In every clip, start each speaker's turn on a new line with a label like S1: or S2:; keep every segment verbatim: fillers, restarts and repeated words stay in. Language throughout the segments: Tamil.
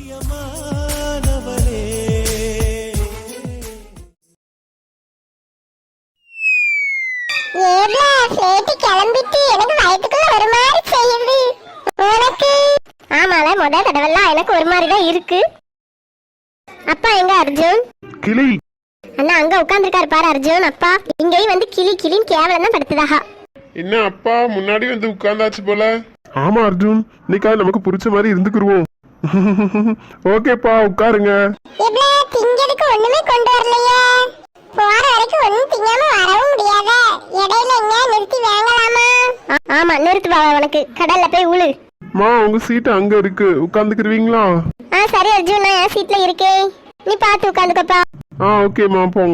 S1: கிளம்பிட்டு எனக்கு வயிற்றுக்குள்ள ஒரு மாதிரி செய்யுது. உனக்கு? ஆமால, முத தடவைலாம் எனக்கு ஒரு மாதிரி தான் இருக்கு. அப்பா எங்க அர்ஜுன்?
S2: கிளி
S1: அண்ணா அங்க உட்கார்ந்துருக்காரு பாரு அர்ஜுன். அப்பா இங்கேயும் வந்து கிளி கிளின்னு கேவலம் தான் படுத்துதாகா.
S2: என்ன அப்பா முன்னாடி வந்து உட்கார்ந்தாச்சு போல. ஆமா அர்ஜுன், இன்னைக்கா நமக்கு பிடிச்ச மாதிரி இருந்துக்குருவோம். ஓகேப்பா உட்காருங்க.
S1: திங்கிறதுக்கு ஒண்ணுமே கொண்டு வரலையே. போற வரைக்கும் ஒண்ணும் திங்காம வரவும் முடியாத. இடையில எங்க நிறுத்தி வாங்கலாமா? ஆமா நிறுத்து பாவா, உனக்கு கடல்ல போய் உழு.
S2: மா உங்க சீட் அங்க இருக்கு, உட்கார்ந்துக்குருவீங்களா?
S1: ஆ சரி அர்ஜுன், நான் என் சீட்ல இருக்கேன், நீ பாத்து உட்கார்ந்துக்கப்பா.
S2: ஆ ஓகேமா போங்க.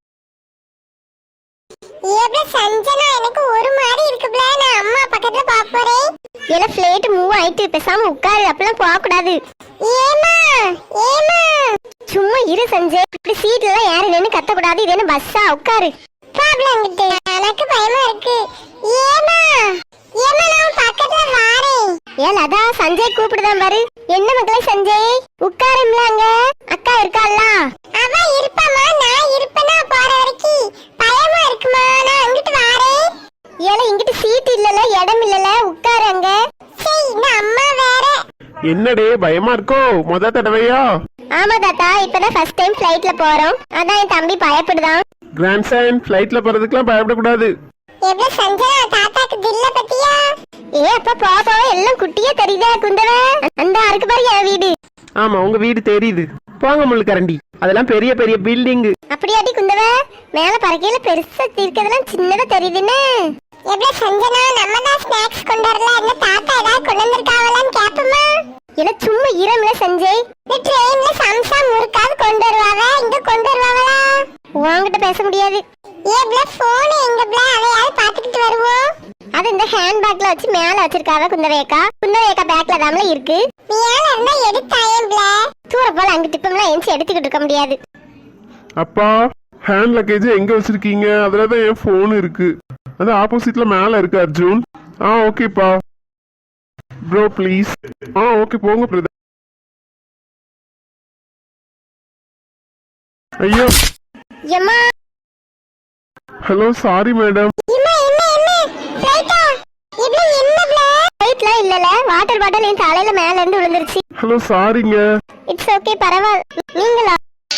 S1: ஏப்ல சஞ்சனா எனக்கு ஒரு மாதிரி இருக்குப்ல, நான் அம்மா பக்கத்துல பாக்க போறேன். ஏல ஃப்ளைட் மூவ் ஆயிட்டு பேசாம உட்காரு, அப்பலாம் போக கூடாது. ஏமா ஏமா சும்மா இரு சஞ்சய், இப்படி சீட்ல எல்லாம் ஏறலன்னு கத்த கூடாது. இது என்ன பஸ்ஸா? உட்காரு. ப்ராப்ளம் கிட்ட எனக்கு பயமா இருக்கு. ஏமா ஏமா நான் பக்கத்துல வாரேன். ஏல அதா சஞ்சய் கூப்பிடுதான் பாரு. என்ன மக்களே சஞ்சய் உட்காரும்லாங்க, அக்கா இருக்கால்ல? அவ இருப்பாமா, நான் இருப்பேனா போற வரைக்கும். பயமா இருக்குமா, நான் அங்கிட்டு வாரேன். ஏல இங்கிட்டு சீட் இல்லல, இடம் இல்லல, உட்காருங்க. சரி நான் அம்மா வேற.
S2: என்னடே பயமா இருக்கோ? முத தடவையா?
S1: ஆமா தாத்தா, இப்பதான் ஃபர்ஸ்ட் டைம் ஃளைட்ல போறோம், அதான் என் தம்பி பயப்படுதான்.
S2: கிராண்ட் சன் ஃளைட்ல போறதுக்குலாம் பயப்படக்கூடாது.
S1: எவ்வளவு சஞ்சனா தாத்தாக்கு தில்ல பத்தியா? ஏ அப்பா பாப்பா எல்லாம் குட்டியா தெரியுதா குந்தவ? அந்த அருக்கு பாரு என் வீடு.
S2: ஆமா உங்க வீடு தெரியுது. போங்க முள்ளு கரண்டி, அதெல்லாம் பெரிய பெரிய பில்டிங்.
S1: அப்படியாடி குந்தவ? மேல பறக்கையில பெருசா இருக்கதெல்லாம் சின்னதா தெரியுதுன்னு. எவ்வளவு சஞ்சனா நம்ம தான் ஸ்நாக்ஸ் கொண்டு வரல, என்ன தாத்தா ஏதாவது கொண்டு வந்திருக்காவலான்னு கேப்பமா? இல்ல சும்மா இரம்ல சஞ்சய், இந்த ட்ரெயின்ல சம்சா முறுக்காவது கொண்டு வருவாங்க, இங்க கொண்டு வருவாங்களா? உன்கிட்ட பேச முடியாது. ஏப்ல போன் எங்க ப்ள, அதையாவது பாத்துக்கிட்டு வருவோம். அது இந்த ஹேண்ட் பேக்ல வச்சு மேல வச்சிருக்காவ குந்தவேக்கா. குந்தவேக்கா பேக்ல தாமல இருக்கு. மேல இருந்தா எடுத்தாயேன் ப்ள. தூர போல அங்க டிப்பம்லாம் எஞ்சி எடுத்துக்கிட்டு இருக்க முடியாது.
S2: அப்பா ஹேண்ட் லக்கேஜ் எங்க வச்சிருக்கீங்க? அதுலதான் என் போன் இருக்கு, அது ஆப்போசிட்ல மேல இருக்கு அர்ஜுன். ஆ ஓகேப்பா. Bro please. ஆ ஓகே போங்க பிரதர். ஐயோ
S1: எம்மா.
S2: Hello sorry madam.
S1: எம்மா என்ன என்ன ஃளைட்டா? இது என்ன ப்ள? ஃளைட்ல இல்லல, வாட்டர் பாட்டில் என் தலையில மேல இருந்து விழுந்துருச்சு.
S2: ஹலோ சாரிங்க.
S1: இட்ஸ் ஓகே பரவாயில்லை. நீங்களா?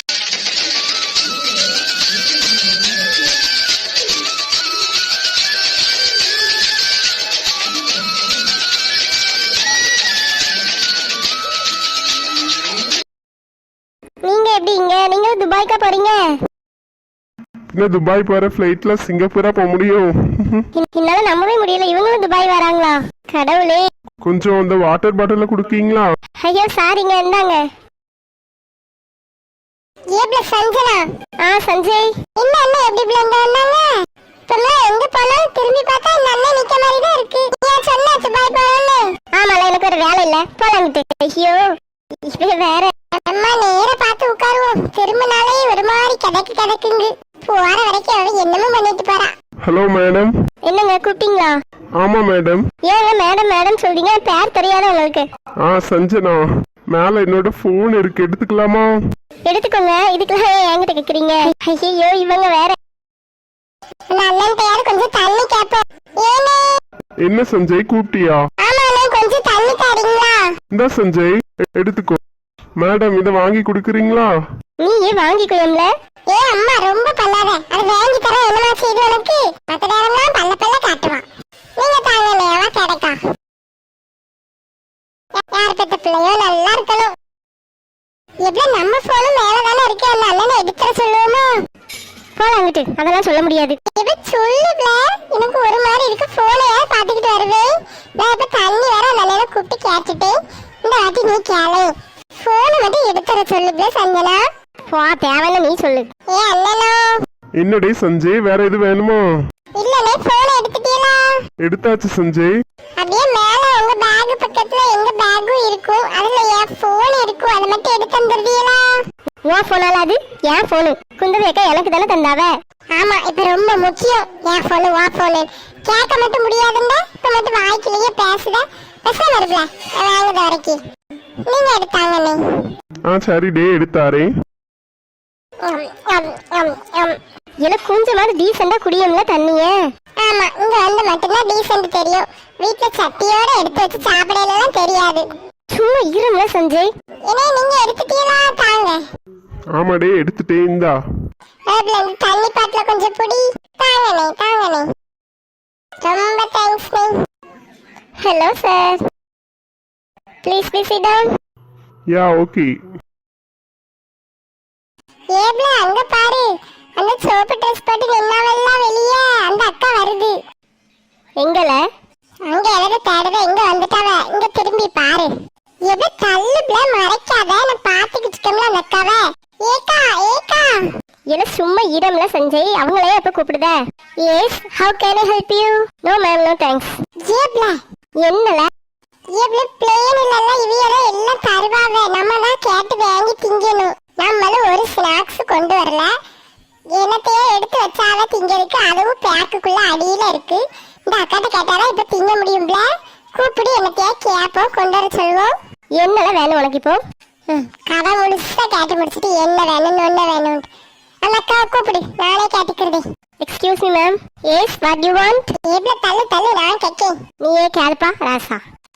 S1: நீங்க எப்படி இங்க? நீங்க துபாய்க்கா போறீங்க?
S2: இன்னும் துபாய் போற ஃப்ளைட்ல சிங்கப்பூரா போக முடியும்?
S1: என்னால நம்பவே முடியல, இவங்களும் துபாய் வராங்களா? கடவுளே.
S2: கொஞ்சம் அந்த வாட்டர் பாட்டில குடுக்கீங்களா?
S1: ஐயோ சாரிங்க, இந்தாங்க. ஏப்ல சஞ்சனா. ஆ சஞ்சய். என்ன அண்ணா எப்படி பிளங்க வந்தாங்க? சொன்னா எங்க போனாலும் திரும்பி பார்த்தா இந்த அண்ணன் நிக்க மாதிரி தான் இருக்கு. ஏன் சொன்னா துபாய் போறேன்னு? ஆமால, எனக்கு ஒரு வேலை இல்ல, போலாங்கிட்டு. ஐயோ இது வேற. அம்மா நேர பார்த்து உட்காருவோம், திரும்பினாலே ஒரு மாதிரி கிடக்கு கிடக்குங்க. போற வரைக்கும் அவன் என்னமோ பண்ணிட்டு போறா.
S2: Hello madam.
S1: என்னங்க கூப்பிட்டீங்களா?
S2: ஆமா மேடம்.
S1: ஏங்க மேடம் மேடம் சொல்றீங்க, பேர் தெரியாத உங்களுக்கு? ஆ
S2: சஞ்சனா, மேல என்னோட போன் இருக்கு, எடுத்துக்கலாமா?
S1: எடுத்துக்கோங்க, இதுக்கெல்லாம் என்கிட்ட கேக்குறீங்க? ஐயோ இவங்க வேற. அண்ணன் பேர் கொஞ்சம் தண்ணி கேப்போம். ஏனே
S2: என்ன சஞ்சய் கூப்பிட்டியா?
S1: ஆமா அண்ணன், கொஞ்சம் தண்ணி தரீங்களா?
S2: இந்த சஞ்சய் எடுத்துக்கோ. மேடம் இத வாங்கி குடுக்குறீங்களா?
S1: நீ ஏன் வாங்கிக்கோயம்ல? ஏ அம்மா ரொம்ப பல்லாத, அது வாங்கி தர என்னமா செய்து உனக்கு? மத்த நேரம்லாம் பல்ல பல்ல காட்டுவான். நீங்க தாங்கலே அவ கிடைக்கா. யார் பெத்த பிள்ளையோ நல்லா இருக்கணும். எப்ப நம்ம போனும் மேலதானே இருக்கு, அந்த அண்ணனை எடுத்துற சொல்லுவோமா? போலாங்கிட்டு அதெல்லாம் சொல்ல முடியாது. இப்ப சொல்லுப்ல, எனக்கு ஒரு மாதிரி இருக்கு, போனையா பாத்துக்கிட்டு வருவேன். நான் இப்ப தண்ணி வேற அந்த அண்ணனை கூப்பிட்டு கேட்டுட்டு, இந்த வாட்டி நீ கேளு, போனை மட்டும் எடுத்துற சொல்லுப்ல சஞ்சனா. போ தேவையில்ல நீ சொல்லு. ஏ அண்ணனோ.
S2: என்னடே சஞ்சய், வேற எது வேணுமா?
S1: இல்லனே, போனை எடுத்துட்டீங்களா?
S2: எடுத்தாச்சு சஞ்சய்.
S1: அப்படியே மேல உங்க பேக் பக்கத்துல எங்க பேக்கும் இருக்கும், அதுல என் போன் இருக்கும், அதை மட்டும் எடுத்து தந்துடுவீங்களா? உன் போனால அது என் போனு, குந்தவேக்கா எனக்கு தானே தந்தாவ. ஆமா இப்ப ரொம்ப முக்கியம், என் போனு உன் போனு கேட்க மட்டும் முடியாதுங்க. இப்ப மட்டும் வாய்க்கிலேயே பேசுத, பேசாம இருக்கலாம் வாங்குத வரைக்கும். நீங்க எடுத்தாங்கண்ணே.
S2: ஆ சரி டே எடுத்தாரே.
S1: இல்ல கொஞ்சமாவது டீசெண்டா குடியும்ல தண்ணிய. ஆமா, இங்க வந்து மட்டும்தான் டீசெண்ட் தெரியும். வீட்டுல சட்டியோட எடுத்து வச்சு சாப்பிடலாம் தெரியாது. சும்மா இருங்க சஞ்சய். ஏன்னா நீங்க எடுத்துட்டீங்களா? தாங்க.
S2: ஆமா டே எடுத்துட்டே. இந்தா
S1: தண்ணி பாட்டில கொஞ்சம் புடி. தாங்கண்ணே தாங்கண்ணே. ரொம்ப தேங்க்ஸ் நே. Hello sir, please please sit down.
S2: Yeah okay.
S1: ஏப்ல அங்க பாரு, அந்த சோப்பு ட்ரெஸ் போட்டு நின்னாவெல்லாம் வெளியே அந்த அக்கா வருது. எங்கல? அங்க எவரோ தேடுற, இங்க வந்துட்டாவ. இங்க திரும்பி பாரு. எது தள்ளுப்ல மறைக்காத, நான் பாத்துக்கிட்டு இருக்கேன்ல அந்த அக்காவை. ஏக்கா ஏக்கா. இல்ல சும்மா இடம்ல சஞ்சய், அவங்களே அப்ப கூப்பிடுத. Yes, how can I help you? No ma'am, no thanks. ஏப்ல என்னல? ஏப்ல பிளேன் இல்லல, இவியல எல்லாம் தருவாவே, நம்ம தான் கேட்டு வாங்கி திங்கணும். நம்மளும் ஒரு ஸ்நாக்ஸ் கொண்டு வரல, என்னத்தையே எடுத்து வச்சாவே திங்கிறதுக்கு. அதுவும் பேக்குக்குள்ள அடியில இருக்கு. இந்த அக்காட்ட கேட்டாதான் இப்ப திங்க முடியும்ல. கூப்பிடு, என்னத்தையே கேப்போம், கொண்டு வர சொல்லுவோம். என்னல வேணும் உனக்கு இப்போ? கதை முழுசா கேட்டு முடிச்சுட்டு என்ன வேணும்னு ஒண்ணு வேணும். அந்த அக்காவை கூப்பிடு, நானே கேட்டுக்கிறதே. Excuse me ma'am. Yes, what you want? எவ்வளோ தள்ளு தள்ளு, நான் கேட்கேன். நீயே கேளுப்பா ராசா.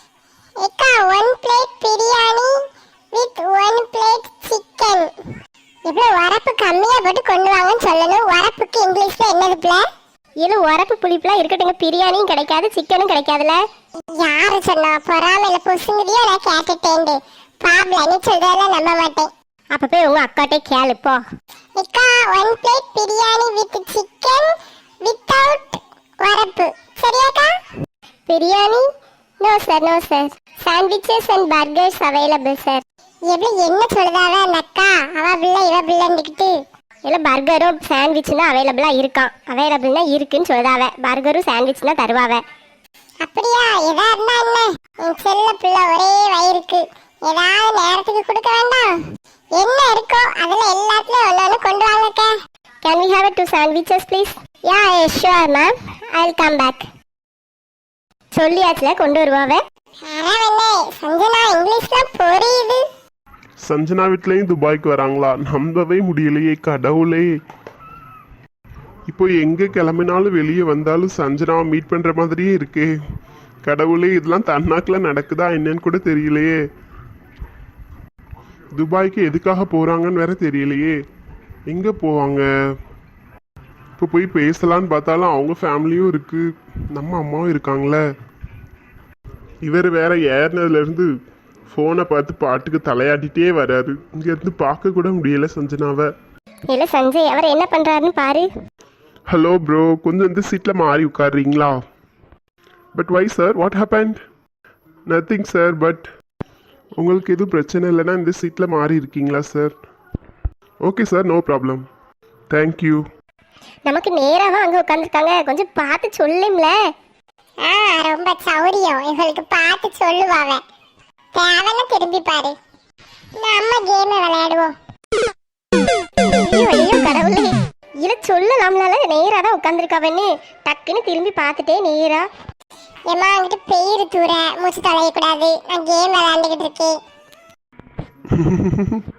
S1: ஏக்கா, one plate biryani with one plate chicken. இவ்வளோ உரப்பு கம்மியா போட்டு கொண்டு வாங்கன்னு சொல்லணும். உரப்புக்கு இங்கிலீஷ்ல என்னது பிள்ளை? இது உரப்பு புளிப்புலாம் இருக்கட்டுங்க, பிரியாணியும் கிடைக்காது சிக்கனும் கிடைக்காதுல. யாரு சொன்னா? பொறாமையில புசுங்கிறியோ நான் கேட்டுட்டேன். பாப்ல நீ சொல்றதெல்லாம் நம்ப மாட்டேன். அப்ப போய் உங்க அக்காட்டே கேளு போ. அக்கா, one plate biryani with chicken without உரப்பு, சரியாக்கா? Biryani? No sir, no sir. Sandwiches and burgers available sir. எப்படி என்ன சொல்லுதாவ அந்த அக்கா? அவ பிள்ளை இவ பிள்ளைன்னுக்கிட்டு. இல்லை பர்கரும் சாண்ட்விச்சும் தான் அவைலபிளாக இருக்கான். அவைலபிள்னா இருக்குன்னு சொல்லுதாவ. பர்கரும் சாண்ட்விச் தான் தருவாவ. அப்படியா? எதா இருந்தா என்ன, என் செல்ல பிள்ளை ஒரே வயிறுக்கு ஏதாவது நேரத்துக்கு கொடுக்க வேண்டாம். என்ன இருக்கோ அதில் எல்லாத்துலையும் ஒன்று ஒன்று கொண்டு வாங்கக்கா. Can we have two sandwiches please? Yeah sure ma'am, I will come back. சொல்லியாச்சுல கொண்டு வருவாவே. அரவண்ணே, சஞ்சனா இங்கிலீஷ்லாம் புரியுது.
S2: சஞ்சனா வீட்லயும் துபாய்க்கு வராங்களா? நம்பவே முடியலையே கடவுளே. இப்போ எங்க கிளம்பினாலும் வெளியே வந்தாலும் சஞ்சனாவை மீட் பண்ற மாதிரியே இருக்கே கடவுளே. இதெல்லாம் தன்னாக்குல நடக்குதா என்னன்னு கூட தெரியலையே. துபாய்க்கு எதுக்காக போறாங்கன்னு வேற தெரியலையே. எங்க போவாங்க? இப்போ போய் பேசலான்னு பார்த்தாலும் அவங்க ஃபேமிலியும் இருக்கு, நம்ம அம்மாவும் இருக்காங்களே. இவர் வேற ஏறினதுல இருந்து ஃபோனை பார்த்து பாட்டுக்கு தலையாட்டிட்டே வராரு. இங்க இருந்து பார்க்க கூட முடியல சஞ்சனாவை.
S1: இல்ல சஞ்சய், அவர் என்ன பண்றாருன்னு பாரு.
S2: ஹலோ ப்ரோ, கொஞ்சம் இந்த சீட்ல மாறி உட்காருறீங்களா? But why sir, what happened? Nothing sir, but உங்களுக்கு எதுவும் பிரச்சனை இல்லைன்னா இந்த சீட்ல மாறி இருக்கீங்களா sir? Okay sir, no problem, thank you.
S1: நமக்கு நேராக அங்கே உட்காந்துருக்காங்க, கொஞ்சம் பார்த்து சொல்லும்ல. ஆ ரொம்ப சௌரியம், இவங்களுக்கு பார்த்து சொல்லுவாங்க. தேவைன்னு திரும்பி பாரு, நம்ம கேம் விளையாடுவோம். ஐயோ ஐயோ கடவுளே, இல்லை சொல்லலாம்னால நேராக தான் உட்காந்துருக்காவன்னு டக்குன்னு திரும்பி பார்த்துட்டே நேரா. ஏமா அங்கிட்டு பெயிரு தூர மூச்சு தொலையக்கூடாது, நான் கேம் விளையாண்டுக்கிட்டு இருக்கேன்.